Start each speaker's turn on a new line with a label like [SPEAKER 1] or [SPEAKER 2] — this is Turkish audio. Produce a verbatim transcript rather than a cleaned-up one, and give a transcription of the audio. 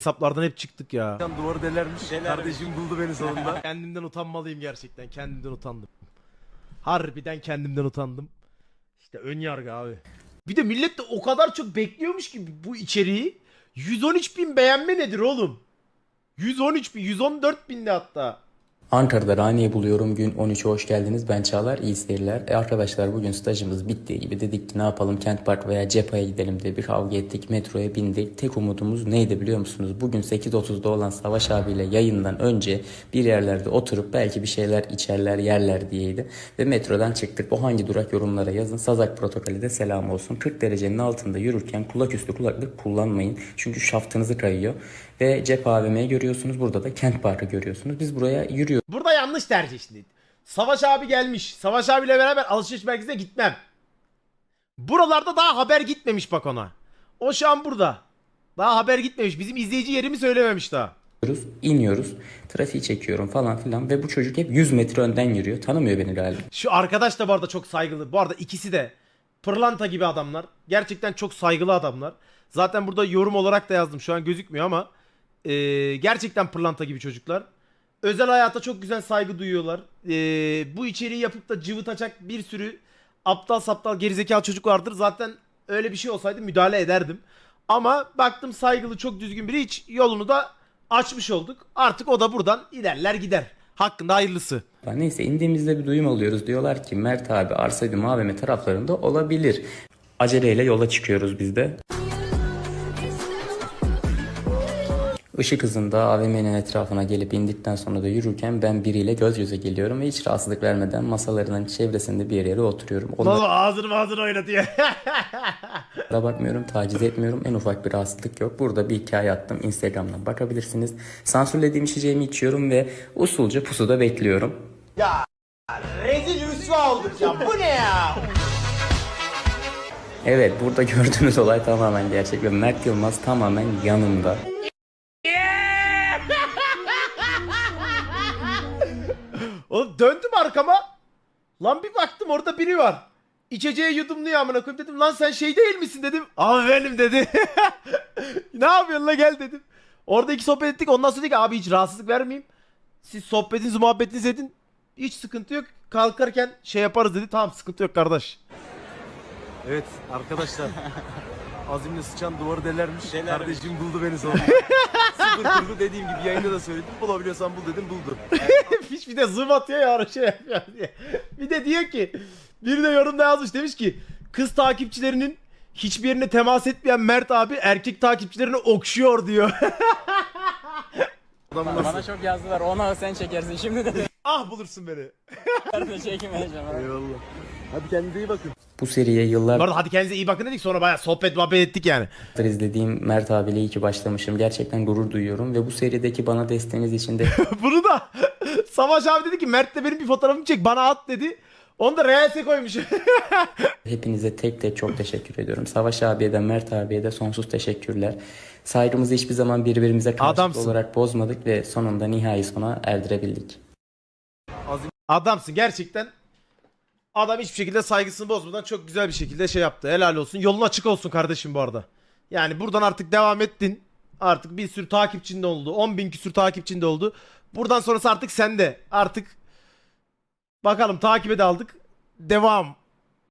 [SPEAKER 1] hesaplardan hep çıktık ya.
[SPEAKER 2] Duvarı delermiş. Kardeşim buldu beni sonunda.
[SPEAKER 1] Kendimden utanmalıyım gerçekten. Kendimden utandım. Harbiden kendimden utandım. İşte ön yargı abi. Bir de millet de o kadar çok bekliyormuş ki bu içeriği. yüz on üç bin beğenme nedir oğlum? yüz on üç bin, yüz on dört binde hatta.
[SPEAKER 3] Ankara'da Rani'yi buluyorum. Gün on üçe hoş geldiniz. Ben Çağlar. İyi seyirler. E arkadaşlar bugün stajımız bittiği gibi dedik ki ne yapalım, Kent Park veya Cepha'ya gidelim diye bir kavga ettik. Metroya bindik. Tek umudumuz neydi biliyor musunuz? Bugün sekiz otuzda olan Savaş abiyle yayından önce bir yerlerde oturup belki bir şeyler içerler yerler diyeydi. Ve metrodan çıktık. O hangi durak, yorumlara yazın. Sazak protokolü de selam olsun. kırk derecenin altında yürürken kulaküstü kulaklık kullanmayın. Çünkü şaftınızı kayıyor. Ve Cepha A V M'yi görüyorsunuz. Burada da Kent Park'ı görüyorsunuz. Biz buraya yürüyoruz.
[SPEAKER 1] Burada yanlış tercih şimdi. Savaş abi gelmiş. Savaş abiyle beraber alışveriş merkezine gitmem. Buralarda daha haber gitmemiş bak ona. O şu an burada. Daha haber gitmemiş. Bizim izleyici yerimi söylememiş daha.
[SPEAKER 3] iniyoruz. Trafiği çekiyorum falan filan ve bu çocuk hep yüz metre önden yürüyor. Tanımıyor beni galiba.
[SPEAKER 1] Şu arkadaş da bu arada çok saygılı. Bu arada ikisi de pırlanta gibi adamlar. Gerçekten çok saygılı adamlar. Zaten burada yorum olarak da yazdım. Şu an gözükmüyor ama e, gerçekten pırlanta gibi çocuklar. Özel hayata çok güzel saygı duyuyorlar. E, bu içeriği yapıp da cıvıtacak bir sürü aptal saptal gerizekalı çocuk vardır. Zaten öyle bir şey olsaydı müdahale ederdim. Ama baktım saygılı, çok düzgün biri, hiç yolunu da açmış olduk. Artık o da buradan ilerler gider. Hakkında hayırlısı.
[SPEAKER 3] Neyse indiğimizde bir duyum alıyoruz. Diyorlar ki Mert abi Arsaydım A V M taraflarında olabilir. Aceleyle yola çıkıyoruz biz de. Işık hızında A V M'nin etrafına gelip indikten sonra da yürürken ben biriyle göz göze geliyorum ve hiç rahatsızlık vermeden masalarının çevresinde bir yere oturuyorum.
[SPEAKER 1] Baba ağzını ağzını oynatıyor.
[SPEAKER 3] Da bakmıyorum, taciz etmiyorum. En ufak bir rahatsızlık yok. Burada bir hikaye attım. Instagram'dan bakabilirsiniz. Sansürlediğim içeceğimi içiyorum ve usulca pusuda bekliyorum.
[SPEAKER 1] Ya rezil rüsva olduk ya. Bu ne ya?
[SPEAKER 3] Evet, burada gördüğünüz olay tamamen gerçek ve Mert Yılmaz tamamen yanımda.
[SPEAKER 1] Oğlum döndüm arkama. Lan bir baktım orada biri var. İçeceği yudumluyor amına koyayım, dedim lan sen şey değil misin dedim. Abi benim dedi. Ne yapıyorsun la, gel dedim. Orada iki sohbet ettik, ondan sonra dedik abi hiç rahatsızlık vermeyeyim. Siz sohbetinizi muhabbetinizi edin. Hiç sıkıntı yok. Kalkarken şey yaparız dedi. Tamam sıkıntı yok kardeş.
[SPEAKER 2] Evet arkadaşlar. Azimle sıçan duvarı delermiş. Kardeşim buldu beni sonunda. Sıfır kurgu dediğim gibi yayında da söyledim. Bulabiliyorsan bul dedim, buldu.
[SPEAKER 1] Hiç bir de zoom atıyor ya ara şey yapıyor diye. Bir de diyor ki, biri de yorumda yazmış, demiş ki kız takipçilerinin hiçbir yerine temas etmeyen Mert abi erkek takipçilerini okşuyor diyor.
[SPEAKER 2] Adam nasıl?
[SPEAKER 4] Bana çok yazdılar. Ona sen çekersin. Şimdi de
[SPEAKER 1] Ah bulursun beni.
[SPEAKER 4] çekmeyeceğim.
[SPEAKER 2] Eyvallah. Hadi kendinize iyi bakın.
[SPEAKER 3] Bu seriye
[SPEAKER 1] Bu
[SPEAKER 3] yıllardır
[SPEAKER 1] arada hadi kendinize iyi bakın dedik, sonra bayağı sohbet muhabbet ettik yani.
[SPEAKER 3] izlediğim Mert abiyle iyi ki başlamışım. Gerçekten gurur duyuyorum ve bu serideki bana desteğiniz için de
[SPEAKER 1] Bunu da Savaş abi dedi ki Mert de benim bir fotoğrafımı çek bana at dedi. Onu da Reels'e koymuş.
[SPEAKER 3] hepinize tek tek çok teşekkür ediyorum. Savaş abiye de Mert abiye de sonsuz teşekkürler. Saygımızı hiçbir zaman birbirimize karşılıklı
[SPEAKER 1] Adamsın.
[SPEAKER 3] olarak bozmadık ve sonunda nihai sona erdirebildik.
[SPEAKER 1] Adamsın gerçekten. Adam hiçbir şekilde saygısını bozmadan çok güzel bir şekilde şey yaptı. Helal olsun. Yolun açık olsun kardeşim bu arada. Yani buradan artık devam ettin. Artık bir sürü takipçin de oldu. on bin küsür takipçin de oldu. Buradan sonrası artık sende. Artık bakalım takibe de aldık. Devam.